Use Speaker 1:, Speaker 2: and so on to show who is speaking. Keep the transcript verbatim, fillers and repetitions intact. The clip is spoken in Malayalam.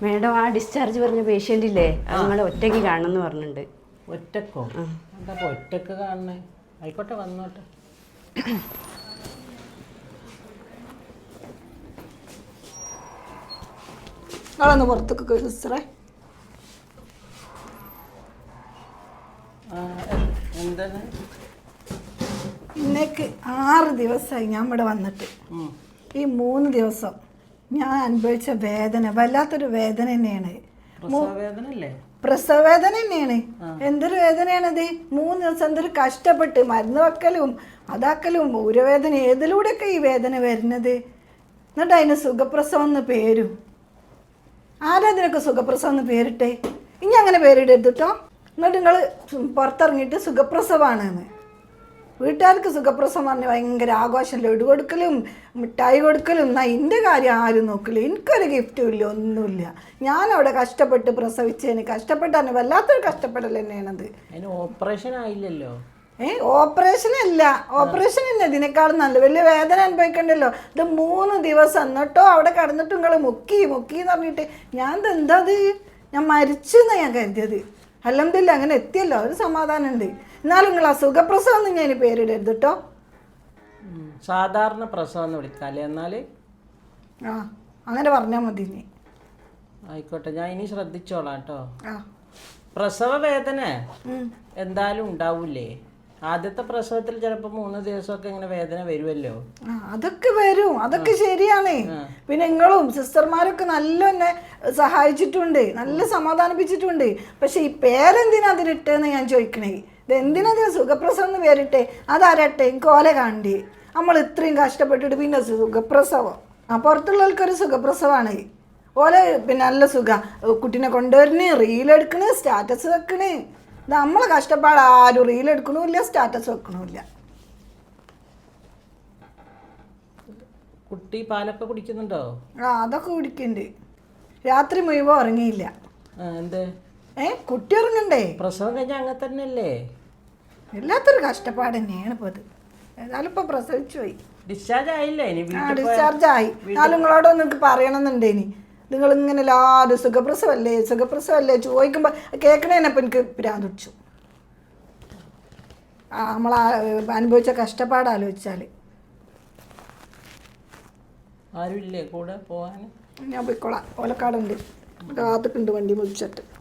Speaker 1: മേഡം ആ ഡിസ്ചാർജ് പറഞ്ഞ പേഷ്യൻ്റ് ഇല്ലേ നിങ്ങൾ ഒറ്റയ്ക്ക് കാണണമെന്ന് പറഞ്ഞിട്ടുണ്ട്.
Speaker 2: ഒറ്റക്കോ? എന്താ ഒറ്റക്ക് കാണണേ? ആയിക്കോട്ടെ, വന്നോട്ടെ.
Speaker 3: നിങ്ങളൊന്ന് പുറത്തേക്ക് സിസ്റ്ററെ.
Speaker 2: എന്താണ്?
Speaker 3: ഇന്നേക്ക് ആറ് ദിവസമായി ഞാൻ ഇവിടെ വന്നിട്ട്. ഈ മൂന്ന് ദിവസം ഞാൻ അനുഭവിച്ച വേദന വല്ലാത്തൊരു വേദന തന്നെയാണ്. പ്രസവ വേദന തന്നെയാണ്. എന്തൊരു വേദനയാണത്. മൂന്ന് ദിവസം എന്തൊരു കഷ്ടപ്പെട്ട് മരുന്ന് വെക്കലും അതാക്കലും ഊരവേദന ഏതിലൂടെയൊക്കെ ഈ വേദന വരുന്നത്. എന്നിട്ട് അതിന് സുഖപ്രസവം എന്ന് പേരും. ആരാ ഇതിനൊക്കെ സുഖപ്രസവം എന്ന് പേരിട്ടെ? ഇനി അങ്ങനെ പേരിടരുത് കേട്ടോ. എന്നിട്ട് നിങ്ങൾ പുറത്തിറങ്ങിയിട്ട് സുഖപ്രസവമാണെന്ന്. വീട്ടുകാർക്ക് സുഖപ്രസവം പറഞ്ഞ് ഭയങ്കര ആഘോഷം, ലഡു കൊടുക്കലും മിഠായി കൊടുക്കലും. എന്നാൽ എൻ്റെ കാര്യം ആരും നോക്കില്ല. എനിക്കൊരു ഗിഫ്റ്റും ഇല്ല, ഒന്നുമില്ല. ഞാനവിടെ കഷ്ടപ്പെട്ട് പ്രസവിച്ചതിന് കഷ്ടപ്പെട്ടാണ് വല്ലാത്തൊരു കഷ്ടപ്പെടൽ തന്നെയാണത്.
Speaker 2: ഓപ്പറേഷൻ ആയില്ലല്ലോ.
Speaker 3: ഏ ഓപ്പറേഷൻ അല്ല, ഓപ്പറേഷൻ ഇല്ല. ഇതിനേക്കാളും നല്ല വലിയ വേദന അനുഭവിക്കണ്ടല്ലോ. ഇത് മൂന്ന് ദിവസം എന്നിട്ടോ അവിടെ കിടന്നിട്ട് നിങ്ങൾ മുക്കി മുക്കി എന്ന് പറഞ്ഞിട്ട് ഞാൻ എന്താ അത് ഞാൻ മരിച്ചെന്നാണ് ഞാൻ കരുതിയത്. അൽഹംദുലില്ലാ അങ്ങനെ എത്തിയല്ലോ, ഒരു സമാധാനം ഉണ്ട്. എന്നാലും നിങ്ങൾ ആ സുഖപ്രസവം എന്ന് ഞാൻ പേരിടരുത് കേട്ടോ.
Speaker 2: സാധാരണ പ്രസവം എന്ന് വിളിക്കാല്ലേ? എന്നാൽ
Speaker 3: ആ അങ്ങനെ പറഞ്ഞാൽ മതി. ഇനി
Speaker 2: ആയിക്കോട്ടെ, ഞാൻ ഇനി ശ്രദ്ധിച്ചോളാം കേട്ടോ.
Speaker 3: ആ
Speaker 2: പ്രസവ വേദന എന്തായാലും ഉണ്ടാവൂലേ? ആദ്യത്തെ പ്രസവത്തിൽ ചിലപ്പോൾ മൂന്ന് ദിവസമൊക്കെ ഇങ്ങനെ വേദന വരുമല്ലോ.
Speaker 3: അതൊക്കെ വരും, അതൊക്കെ ശരിയാണ്. പിന്നെ നിങ്ങളും സിസ്റ്റർമാരൊക്കെ നല്ല എന്നെ സഹായിച്ചിട്ടുണ്ട്, നല്ല സമാധാനിപ്പിച്ചിട്ടുണ്ട്. പക്ഷെ ഈ പേരെന്തിനാ അതിലിട്ടെന്ന് ഞാൻ ചോദിക്കണേ. ഇത് എന്തിനാ സുഖപ്രസവം എന്ന് പേരിട്ടെ? അതാരട്ടെ എനിക്ക് ഓല കാണണ്ടേ? നമ്മൾ ഇത്രയും കഷ്ടപ്പെട്ടിട്ട് പിന്നെ സുഖപ്രസവം. ആ പുറത്തുള്ളവർക്കൊരു സുഖപ്രസവമാണ്. ഓലെ പിന്നെ നല്ല സുഖ കുട്ടീനെ കൊണ്ടുവരുന്ന് റീലെടുക്കണ് സ്റ്റാറ്റസ് വെക്കണ്. നമ്മളെ കഷ്ടപ്പാട് ആരും റീലെടുക്കണമില്ല, സ്റ്റാറ്റസ് വെക്കണമില്ല.
Speaker 2: കുട്ടി പാലൊക്കെ കുടിക്കുന്നുണ്ടോ? ആ
Speaker 3: അതൊക്കെ കുടിക്കുന്നുണ്ട്. രാത്രി മുഴുവൻ ഉറങ്ങിയില്ല.
Speaker 2: എന്തേ?
Speaker 3: ഏ കുട്ടി ഉറങ്ങണ്ടേ?
Speaker 2: പ്രസവം കഴിഞ്ഞാൽ അങ്ങനെ തന്നെയല്ലേ?
Speaker 3: എല്ലാത്തൊരു കഷ്ടപ്പാട് തന്നെയാണ് ഇപ്പോൾ അത്. ഏതായാലും ഇപ്പൊ പ്രസവിച്ചു പോയി.
Speaker 2: ഡിസ്ചാർജ് ആയില്ലേ?
Speaker 3: ഡിസ്ചാർജ് ആയി. എന്നാലും നിങ്ങളോടൊന്നും എനിക്ക് പറയണമെന്നുണ്ടേ. ഇനി നിങ്ങൾ ഇങ്ങനെ എല്ലാവരും സുഖപ്രസവല്ലേ സുഖപ്രസവല്ലേ ചോദിക്കുമ്പോൾ കേൾക്കണേനപ്പം എനിക്ക് ഭ്രാന്ത് പിടിച്ചു. ആ നമ്മൾ അനുഭവിച്ച കഷ്ടപ്പാട് ആലോചിച്ചാൽ.
Speaker 2: ആരുമില്ലേ കൂടെ പോവാൻ?
Speaker 3: ഞാൻ പോയിക്കോളാം. ഓലക്കാടുണ്ട്, കാത്തുക്കുണ്ട് വണ്ടി മുടിച്ചിട്ട്.